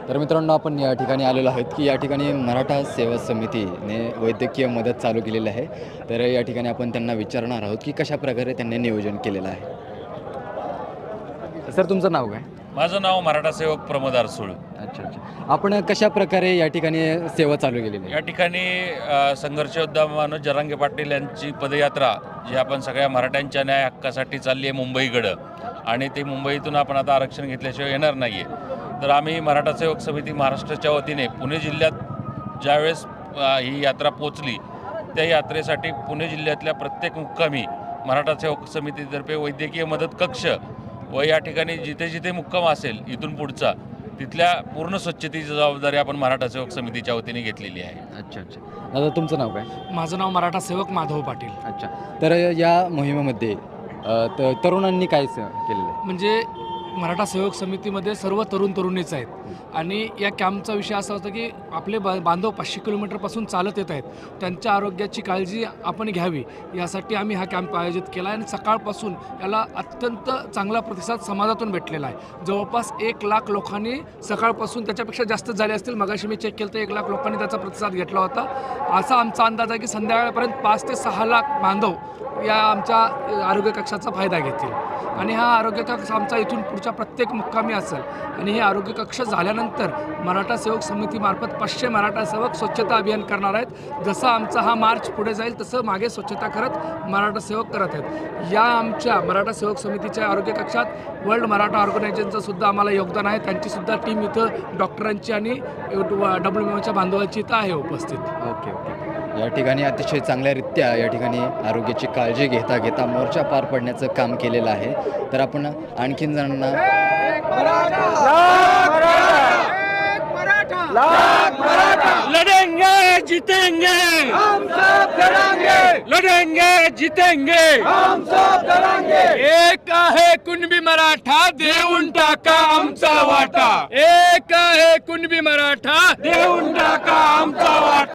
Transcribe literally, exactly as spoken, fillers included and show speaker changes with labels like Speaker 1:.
Speaker 1: तर मित्रांनो, आपण या ठिकाणी आलेलो आहोत की या ठिकाणी मराठा सेवा समितीने वैद्यकीय मदत चालू केलेली आहे। तर या ठिकाणी आपण त्यांना विचारणार आहोत की कशा प्रकारे त्यांनी नियोजन केलेलं आहे। सर, तुमचं नाव काय?
Speaker 2: माझं नाव मराठा सेवक प्रमोद आरसूळ।
Speaker 1: अच्छा अच्छा आपण कशा प्रकारे या ठिकाणी सेवा चालू केलेली आहे?
Speaker 2: या ठिकाणी अ, संघर्ष योद्धा मनोज जरांगे पाटील यांची पदयात्रा जी आपण सगळ्या मराठ्यांच्या न्याय हक्कासाठी चालली आहे मुंबईकडं, आणि ते मुंबईतून आपण आता आरक्षण घेतल्याशिवाय येणार नाही आहे। तर आम्ही मराठा सेवक समिती महाराष्ट्राच्या वतीने पुणे जिल्ह्यात ज्यावेळेस अ, ही यात्रा पोचली, त्या यात्रेसाठी पुणे जिल्ह्यातल्या प्रत्येक मुक्कामी मराठा सेवक समितीतर्फे वैद्यकीय मदत कक्ष व या ठिकाणी जिथे जिथे मुक्काम असेल इथून पुढचा, तिथल्या पूर्ण स्वच्छतेची जबाबदारी आपण मराठा सेवक समितीच्या वतीने घेतलेली आहे।
Speaker 1: अच्छा अच्छा दादा, तुमचं नाव काय?
Speaker 3: माझं नाव मराठा सेवक माधव पाटील।
Speaker 1: अच्छा, तर या मोहिमेमध्ये अ, त तरुणांनी काय स केलेलं आहे?
Speaker 3: म्हणजे मराठा सेवक समितीमध्ये सर्व तरुण तरुणीच आहेत, आणि या कॅम्पचा विषय असा होता की आपले बा बांधव पाचशे किलोमीटरपासून चालत येत आहेत, त्यांच्या आरोग्याची काळजी आपण घ्यावी यासाठी आम्ही हा कॅम्प आयोजित केला आहे। आणि सकाळपासून याला अत्यंत चांगला प्रतिसाद समाजातून भेटलेला आहे। जवळपास एक लाख लोकांनी सकाळपासून, त्याच्यापेक्षा जास्त झाले असतील, मगाशी मी चेक केलं तर एक लाख लोकांनी त्याचा प्रतिसाद घेतला होता। असा आमचा अंदाज आहे की संध्याकाळपर्यंत पाच ते सहा लाख बांधव या आमच्या आरोग्य कक्षाचा फायदा घेतील। आणि हा आरोग्य कक्ष आमचा इथून पुढच्या प्रत्येक मुक्कामी असेल। आणि हे आरोग्य कक्ष झाल्यानंतर मराठा सेवक समितीमार्फत पाचशे मराठा सेवक स्वच्छता अभियान करणार आहेत। जसं आमचा हा मार्च पुढे जाईल तसं मागे स्वच्छता करत मराठा सेवक करत आहेत। या आमच्या मराठा सेवक समितीच्या आरोग्य कक्षात वर्ल्ड मराठा ऑर्गनायझेशनचं सुद्धा आम्हाला योगदान आहे। त्यांचीसुद्धा टीम इथं डॉक्टरांची आणि डब्ल्यू एमओच्या बांधवांची इथं आहे उपस्थित।
Speaker 1: ओके ओके या ठिकाणी अतिशय चांगल्यारीत्या या ठिकाणी आरोग्याची काळजी घेता घेता मोर्चा पार पडण्याचं काम केलेलं आहे। तर आपण आणखीन जणांना
Speaker 2: लढेंगे जीतेंगे हम सब लढेंगे, लढेंगे जीतेंगे हम सब लढेंगे।
Speaker 3: एक आहे कुणबी मराठा, देऊन टाका आमचा वाटा। एक आहे कुणबी मराठा,
Speaker 2: देऊन टाका आमचा वाटा।